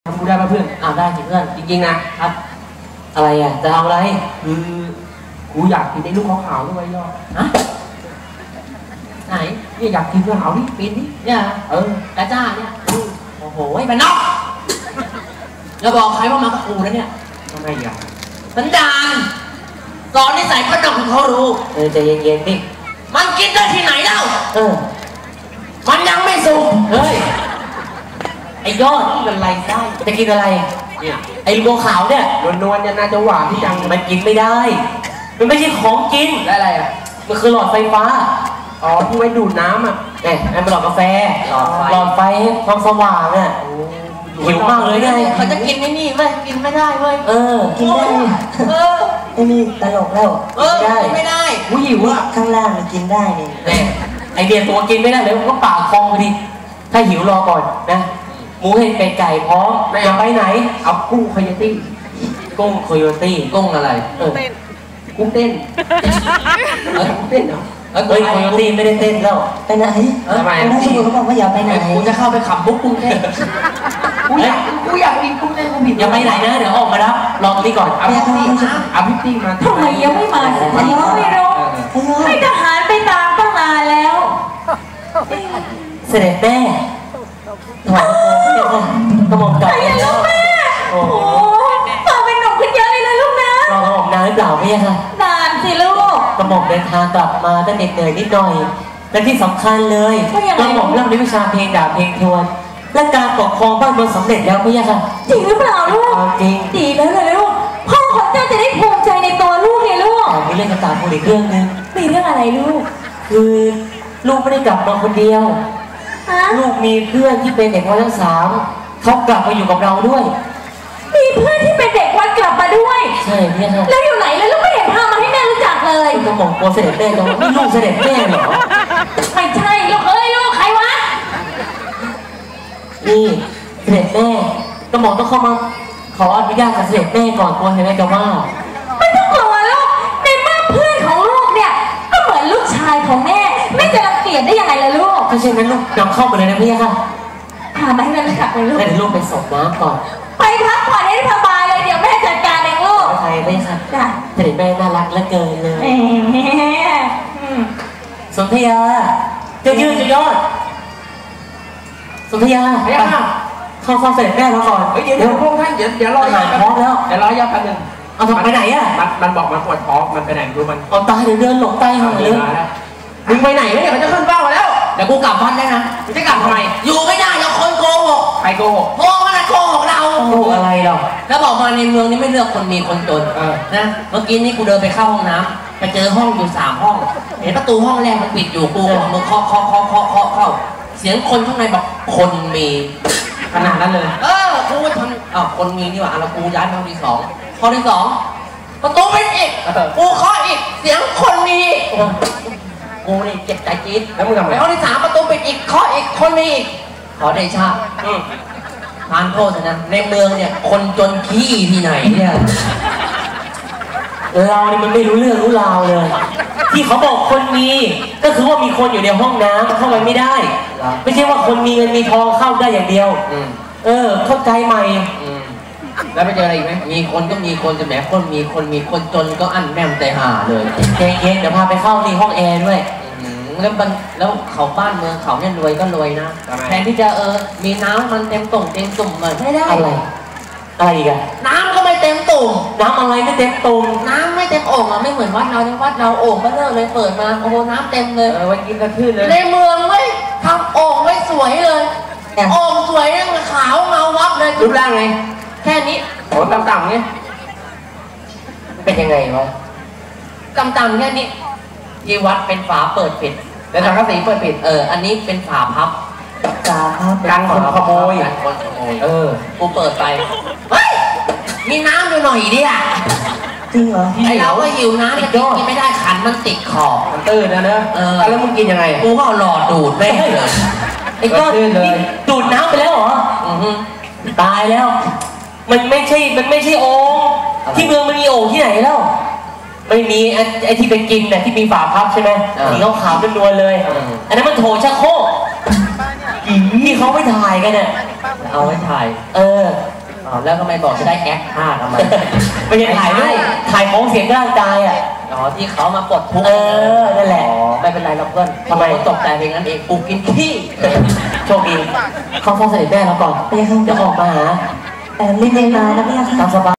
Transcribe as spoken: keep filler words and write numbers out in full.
ทำกูได้ป่ะเพื่อนอ้าวได้สิเพื่อนจริงๆนะครับอะไรอ่ะจะทำอะไรคือกูอยากกินไอ้ลูกขาวๆด้วยยอดฮะไหนเนี่ยอยากกินลูกขาวนี่ปีนนี่เนี่ยเออกระจ้าเนี่ยโอ้โหมันนอกแล้วบอกใครว่ามากับกูแล้วเนี่ยทำไมอ่ะสันดานสอนนิสัยคนนอกของเขารู้เออใจเย็นๆดิมันกินได้ที่ไหนเล่าเออมันยังไม่สุกเฮ้ยไอ้ยอดนี่มันไรได้จะกินอะไรเนี่ยไอ้ลูกขาวเนี่ยนวลๆเนี่ยน่าจะหวานที่จังมันกินไม่ได้มันไม่ใช่ของกินได้อะไรอ่ะมันคือหลอดไฟฟ้าอ๋อที่ไว้ดูดน้ำอ่ะเอ๊ะไอ้เป็นหลอดกาแฟหลอดไฟความสว่างอ่ะหิวมากเลยไงเขาจะกินไม่นี่เว้ยกินไม่ได้เว้ยเออกินได้เออไอ้นี่ตลกแล้วเออกินไม่ได้กูหิวอ่ะข้างล่างมันกินได้นี่ไอเดียตัวกินไม่ได้เลยก็ปากคลองพอดีถ้าหิวรอก่อนนะหมูเห็ดเป็ดไก่พร้อมจะไปไหนเอากุ้งโคโยตี้กุ้งโคโยตี้กุ้งอะไรเออกุ้งเต้นเออกุ้งเต้นเหรอเฮ้ยโคโยตี้ไม่ได้เต้นแล้วไปไหนทำไมนักสู้เขาบอกว่าอย่าไปไหนกูจะเข้าไปขับบุ๊กกุ้งเต้นกูอยากกูอยากกินกุ้งเต้นกูผิดอย่าไปไหนนะเดี๋ยวออกมาแล้วลองนี่ก่อนเอาพี่ตี้เอาพี่ตี้มาทำไมยังไม่มาสักทีไม่รู้ให้ทหารไปตามตั้งนานแล้วเสด็จแม่ถวายกระหม่อมกลับแล้วแม่โอ้โหต่อเป็นหนุ่มขึ้นเยอะเลยลูกนะรอกระหม่อมนานหรือเปล่าพี่คะนานสิลูกกระหม่อมเดินทางกลับมาตั้งเหน็ดเหนื่อยนิดหน่อยและที่สำคัญเลยกระหม่อมเริ่มเรียนวิชาเพลงดาบเพลงทวนและการปกครองบ้านเมืองสำเร็จแล้วพี่คะจริงหรือเปล่าลูกจริงดีแล้วเลยลูกพ่อของเจ้าจะได้ภูมิใจในตัวลูกเลยลูกมีเรื่องต่างๆอีกเรื่องนึงมีเรื่องอะไรลูกคือลูกไม่ได้กลับมาคนเดียวลูกมีเพื่อนที่เป็นเด็กวัดทั้งสามเขากลับมาอยู่กับเราด้วยมีเพื่อนที่เป็นเด็กวัดกลับมาด้วยใช่เนี่ยครับแล้วอยู่ไหนแล้วลูกไม่เห็นพามาให้แม่รู้จักเลยก็มองกลัวเสด็จแม่จังนี่ลูกเสด็จแม่เหรอไม่ใช่ลูกเอ้ยลูกใครวะนี่เสด็จแม่ก็มองต้องเข้ามาขออนุญาตกับเสด็จแม่ก่อนกลัวเสด็จแม่จะว่าไม่ต้องกลัวลูกในเมื่อเพื่อนของลูกเนี่ยก็เหมือนลูกชายของแม่ไม่จะรังเกียจได้ยังไงล่ะลูกถ้าเช่นนั้นลูกนำเข้าไปเลยนะพี่ค่ะพามาให้แม่รู้จักเลยลูกเดี๋ยวลูกไปส่งน้ำก่อนไปพักผ่อนให้สบายเลยเดี๋ยวแม่จัดการเองลูกใช่พี่ค่ะจ้ะเสด็จแม่น่ารักเหลือเกินเลยสนธยาจะยืนจะยอดสนธยาไปเข้าเฝ้าเสด็จแม่เราก่อนเดี๋ยวเดี๋ยวพวกท่านเดี๋ยวเดี๋ยวรออาหารพร้อมแล้วเดี๋ยวรอยาพันหนึ่งเอาไปไหนอ่ะมันมันบอกมันปวดท้องมันไปไหนดูมันเอาตายเดี๋ยวเดินหลงใต้หาเลยมึงไปไหนเนี่ยมันจะขึ้นเป้าแล้วเดี๋ยวกูกลับบ้านได้นะมึงจะกลับทำไมอยู่ไม่ได้เราคนโกหกใครโกหกพ่อมันโกหกเราโกหกอะไรเราแล้วบอกมาในเมืองนี้ไม่เลือกคนมีคนจนนะเมื่อกี้นี่กูเดินไปเข้าห้องน้ำไปเจอห้องอยู่สามห้องเห็นประตูห้องแรกมันปิดอยู่กูมึงเคาะเคาะเคาะเคาะเคาะเข้าเสียงคนข้างในบอกคนมีขนาดนั้นเลยเออกูทำอ้าวคนมีนี่หว่าแล้วกูย้ายไปห้องที่สองห้องที่สองประตูปิดอีกกูเคาะอีกเสียงคนมีกูนี่เจ็บใจจี๊ดแล้วมึงทำไงไปห้องที่สามประตูปิดอีกเคาะอีกคนมีอีกขอเดชะทานโทษนะในเมืองเนี่ยคนจนขี้ที่ไหนเนี่ยเรานี่มันไม่รู้เรื่องรู้ราวเลยที่เขาบอกคนมีก็คือว่ามีคนอยู่ในห้องน้ำเข้าไปไม่ได้ไม่ใช่ว่าคนมีเงินมีทองเข้าได้อย่างเดียวเออเข้าใจใหม่แล้วไปเจออะไรอีกไหมมีคนก็มีคนจะแหมคนมีคนมีคนจนก็อั้นแม่มใจห่าเลยเย็นๆเดี๋ยวพาไปเข้าที่ห้องแอร์ด้วยแล้วมันแล้วเขาบ้านเมืองเขาเนี่ยรวยก็รวยนะแทนที่จะเออมีน้ำมันเต็มตุ่มเต็มตุ่มเหมือนไม่ได้อะไรอะไรอีกอะน้ำก็ไม่เต็มตุ่มน้ำอะไรไม่เต็มตุ่มน้ำไม่เต็มโอ่งอะไม่เหมือนวัดเราในวัดเราโอ่งก็เลิกเลยเปิดมาโอ้โหน้ำเต็มเลยเออไว้กินกระทืบเลยในเมืองเว้ยทำโอ่งไว้สวยเลยโอ่งสวยเนี่ยขาวเงาวับเลยรูปร่างไงแค่นี้โอ้ต่ำๆเนี่ยเป็นยังไงวะต่ำๆแค่นี้ที่วัดเป็นฝาเปิดปิดแล้วสังกะสีเปิดปิดเอออันนี้เป็นฝาพับฝาพับกันคนขโมยกันคนขโมยเออกูเปิดไปเฮ้ยมีน้ำอยู่หน่อยดิอ่ะจริงเหรอไอเราก็หิวน้ำแต่กินไม่ได้ขันมันติดคอมันตื้นนะเนอะเออแล้วมึงกินยังไงกูก็หลอดดูดแม่เลยไอ้ก้อนดูดน้ำไปแล้วเหรอตายแล้วมันไม่ใช่มันไม่ใช่โอ่งที่เมืองมันมีโอ่งที่ไหนแล้วไม่มีไอ้ที่เป็นกินน่ะที่มีฝาพับใช่ไหมสีขาวขาวเป็นนวลเลยอันนั้นมันโถชักโครกที่เขาไปถ่ายกันน่ะเอาไว้ถ่ายเอออ๋อแล้วทำไมบอกจะได้แอคท่าทำไมไม่ใช่ถ่ายรูปถ่ายของเสียงร่างกายอ่ะอ๋อที่เขามาปลดทุกข์เออนั่นแหละอ๋อไม่เป็นไรเราเพื่อนทำไมตกใจเพียงนั้นเองกูกินขี้โชคดีเข้าฟ้องเสด็จแม่เราก่อนไปค่ะเดี๋ยวออกมาหาแต่รีบๆมานะพี่ค่ะตามสบาย